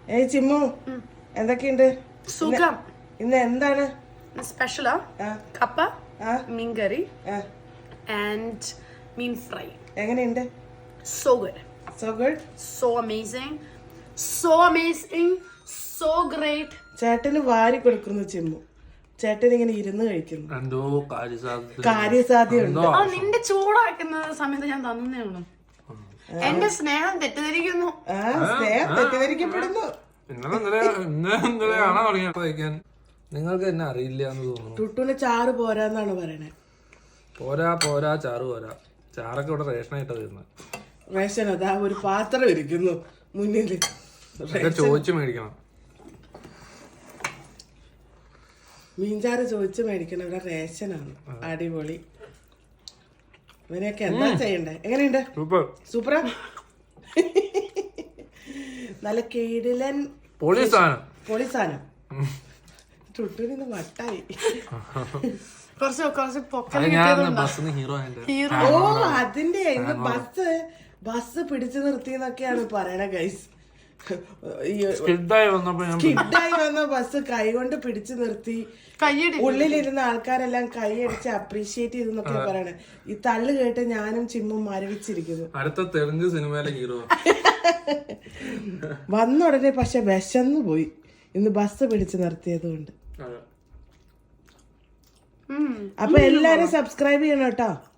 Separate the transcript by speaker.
Speaker 1: ഏയ് ചിമ്മു, എന്തൊക്കെയുണ്ട്?
Speaker 2: സുഖം.
Speaker 1: ഇന്ന് എന്താണ്
Speaker 2: സ്പെഷ്യലാ? കപ്പ, മീൻ കറി ആൻഡ് മീൻ ഫ്രൈ.
Speaker 1: എങ്ങനെയുണ്ട്?
Speaker 2: So good.
Speaker 1: So good?
Speaker 2: So amazing. So amazing. So great.
Speaker 1: ചേട്ടന് വാരി കൊടുക്കുന്നു ചിമ്മു. ചേട്ടൻ ഇങ്ങനെ ഇരുന്ന് കഴിക്കുന്നു.
Speaker 3: എന്തോ
Speaker 1: കാര്യസാധ്യതയുണ്ട്.
Speaker 2: നിന്റെ ചൂടാക്കുന്ന സമയത്ത് ഞാൻ തന്നേ ഉള്ളൂ. എന്റെ സ്നേഹം തെറ്റിദ്ധരിക്കുന്നു.
Speaker 1: സ്നേഹം തെറ്റിദ്ധരിക്കപ്പെടുന്നു.
Speaker 3: നിങ്ങൾക്ക് എന്നെ അറിയില്ല എന്ന് തോന്നുന്നു.
Speaker 1: ടുട്ടുന് ചാറ് പോരാന്നാണ് പറയണേ.
Speaker 3: പോരാ ചാറ് പോരാ. ചാറൊക്കെ ഇവിടെ റേഷനായിട്ടാ തരുന്നത്.
Speaker 1: റേഷൻ അതാ ഒരു പാത്രം ഇരിക്കുന്നു മുന്നില്.
Speaker 3: ചോദിച്ചു മേടിക്കണം.
Speaker 1: മീൻചാറ് ചോദിച്ചു മേടിക്കണം. ഇവിടെ റേഷനാണ്. അടിപൊളി. ഇവനെയൊക്കെ എന്താ ചെയ്യണ്ടേ? എങ്ങനെയുണ്ട്? സൂപ്പറാ. നല്ല കിടിലൻ പൊളി സാധനം. ടുട്ടുനിന്ന് വട്ടായി. ഓ അതിന്റെ ഇന്ന് ബസ് പിടിച്ചു നിർത്തിന്നൊക്കെയാണ് പറയണ ഗൈസ്.
Speaker 3: സ്കിഡായി
Speaker 1: വന്ന ബസ് കൈകൊണ്ട് പിടിച്ചു നിർത്തി. ഉള്ളിലിരുന്ന ആൾക്കാരെല്ലാം കൈയടിച്ച് അപ്രീഷിയേറ്റ് ചെയ്തെന്നൊക്കെ പറയണേ. ഈ തള്ളു കേട്ട് ഞാനും ചിമ്മും മരവിച്ചിരിക്കുന്നു.
Speaker 3: അടുത്ത തെലുങ്ക് സിനിമയിലെ ഹീറോ
Speaker 1: വന്ന ഉടനെ പക്ഷെ വിശന്നു പോയി. ഇന്ന് ബസ് പിടിച്ചു നിർത്തിയത് കൊണ്ട്. അപ്പൊ എല്ലാരും സബ്സ്ക്രൈബ് ചെയ്യണം കേട്ടോ.